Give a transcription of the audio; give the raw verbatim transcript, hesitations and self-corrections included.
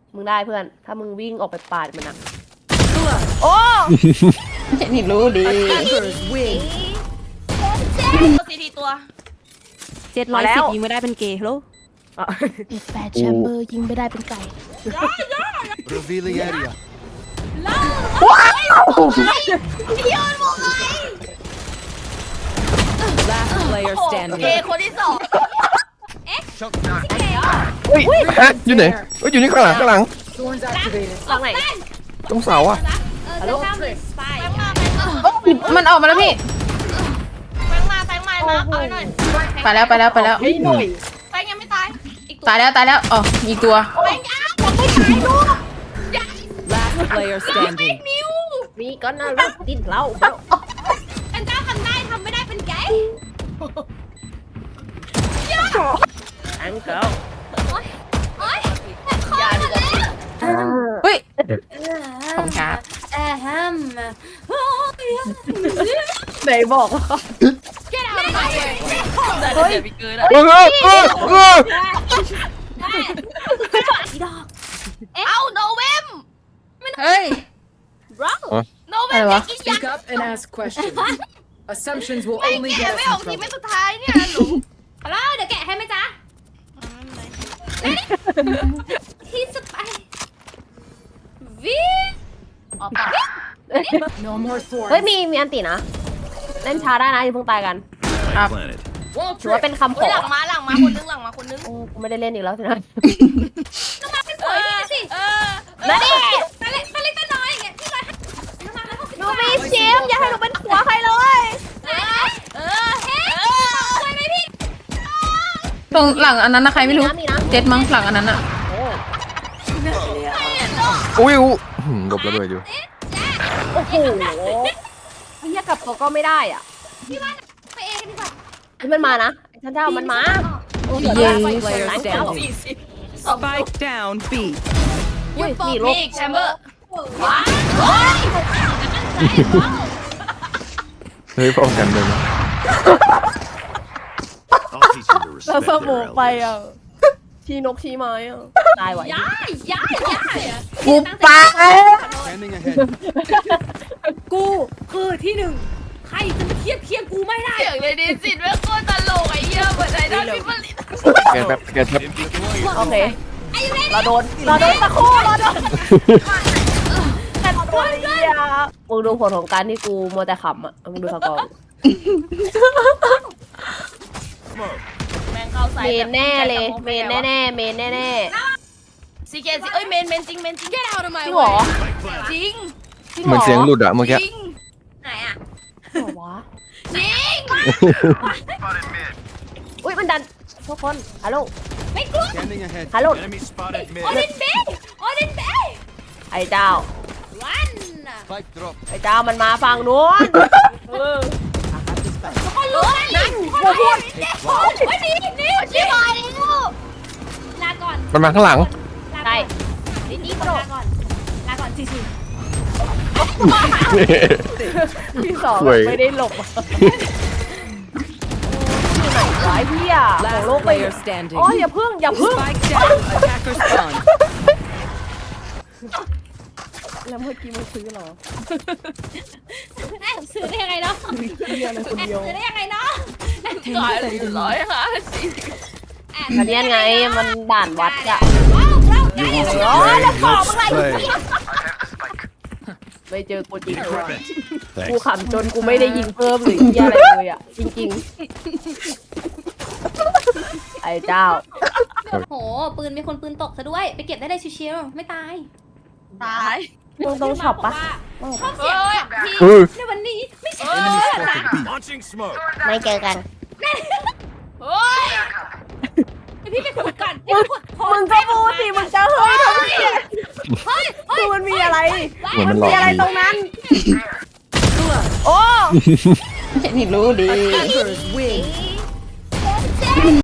มึงได้เพื่อนถ้ามึงวิ่งออกไปปาดมันอะโอ้นี่รู้ดีซีทีตัวเจ็ดร้อยสิบยิงไม่ได้เป็นเกย์ฮัลโหลแปดแชมเบอร์ยิงไม่ได้เป็นไก่ Revealing area. Last player โอ standing. เคคนที่สอง Shock dart. เฮ้ยฮะอยู่ไหนเฮ้ยอยู่นี่ข้างหลังข้างหลัง Thorns activated. หลังไหนตรงเสาอะฮัลโหลไปมามันออกมาแล้วพี่แฟงมาแฟงมามาเอาหน่อยไปแล้วไปแล้วไปแล้วแฟงยังไม่ตายอีกตัวตายแล้วตายแล้วอ๋อมีตัวแฟงยังยังไม่ตายลูก Last player standing. นิวมีก็น่ารักดิ้นเราอันเจ้าทำได้ทำไม่ได้เป็นไงแองเกิลโอ๊ยโอ๊ยอย่าดีกว่าเฮ้ยขอบคุณครับแอฮัมไหนบอกว่าแกเอาไปเฮ้ยเออเออเออเออเอาโนเวมเฮ้ยโนเวอะไรมวะกินยัก Speak up and ask questions. Assumptions will ไอ้ only แก get ไม่ us อ in อกที trouble. ไม่สุดท้ายเนี่ยหนูฮัลโหลเดี๋ยวแกะให้ไหมจ๊ะที่สุดไปวิออกปาก No more เฮ้ย thorns. มีมีอันตินะ เล่นช้าได้นะอย่าเพิ่งตายกัน Planet. ถือว่าเป็นคำขเฮ้ยอหลังมาหลังมาคนนึงหลังมาคนนึงโอ้กูไม่ได้เล่นอีกแล้วสินะน้ำมาเป็นสวยดีสิเออมาดิตาเล็กตาเล็กตาน้อยอย่างเงี้ยพี่ร้อยน้ำมาแล้วหกสิบหนูมีชิมอย่าให้หนูเป็นผัวใครเลยเออเออเฮ้ยสวยไหมพี่ตรงหลังอันนั้นนะใครไม่รู้มีนะเจ็ดมั้งหลังอันนั้นอะโอ้อุ้ยอุ้ยหืมหลบระเบิดอยู่โอ้โหเฮียกลับตัวก็ไม่ได้อ่ะไปเองดีกว่าเฮ้ยมันมานะฉันเจ้ามันมาโอ้โห Last ไป player ไหน standing. Spike down B. อุ้ยปอนี่กลบอีกแชมเบอร์ว้าวโอ้ยเฮ้ยป้องกันเลยนะ I'll teach you to แล้ว respect ส their มองไป elders. อ่ะชี้นกชี้ไม้อ่ะตายไหวย้ายย้ายย้ายอะกูไป Standing ahead. กูคือที่หนึ่งใครจะมาเทียบเทียบกูไม่ได้เสียงเลยดีสิแม่งโคตรตลกไอ้เหี้ยเหมือนไอ้ดอนพิมพ์ลิตแกนแป๊บแกนแป๊บโอเคเราโดนเราโดนตะคู่เราโดนแต่ตัวเฮียมึงดูผลของการที่กูมัวแต่ขำอ่ะมึงดูสกอร์แม่งเข้าใส่เมนแน่เลยเมนแน่แน่ๆเมนแน่แน่ซีเคซีเอ้ยเมนเมนจริงเมนจริงแกเอาทำไมๆจริงเหรอจริงจริงเหมือนเสียงหลุดอะเมื่อกี้จริงไหนอะเหรอวะจริงอุ้ยมันดันทุกคนฮัลโหลไม่กลัว Standing ahead. Hello. Enemy spotted โอ mid. ดินเบย์โอดินเบย์ไอ้เจ้าวัน Spike drop. ไอ้เจ้ามันมาฝั่งนู้นเออทุกคนรู้นั่นทุกคนรู้วันนี้นี่ชิบหายแล้วลาก่อนมันมาข้างหลังได้นี่นี่ลาก่อนลาก่อนชิชิที่สองเว้ยไม่ได้หลบอะที่ไหนวะไอ้พี่อ่ะของ Last โลกไป player standing. อ๋ออย่าพึ่งอย่าพึ่ง Spike down. Attacker spawn. แล้วเมื่อกี้มันซื้อเหรอแอบซื้อได้ยังไงเนาะเฮียอะไรคนแอบเดียวซื้อได้ยังไงเนาะก่อนร้อยค่ะแอบอันเนี้ยไงมันด่านวัดอะว้าวว้าวได้ You ยัง want ไง to play? Let's play. ไม่เจอกูจริง Equip it. กู Thanks. ขำจนกูไม่ได้ยิงเพิ่มหรือเฮียอะไรเลยอ่ะจริงๆ ไอ้เจ้าโหปืนมีคนปืนตกซะด้วยไปเก็บได้เลยชิวๆไม่ตายตายมึงต้องช็อปปะชอบเสียงขับพี่เออในวันนี้ไม่ใช่ Enemy spotted B. Launching smoke. ไม่เจอกันเฮ้ยพี่ไปขุดก่อนมึงมึงก็พูดสิมึงจะเฮ้ยทำไมเฮ้ยคือมันมีอะไรเหมือนมันหลอกมีอะไรดีตรงนั้น โอ้นี่รู้ดี Attackers win.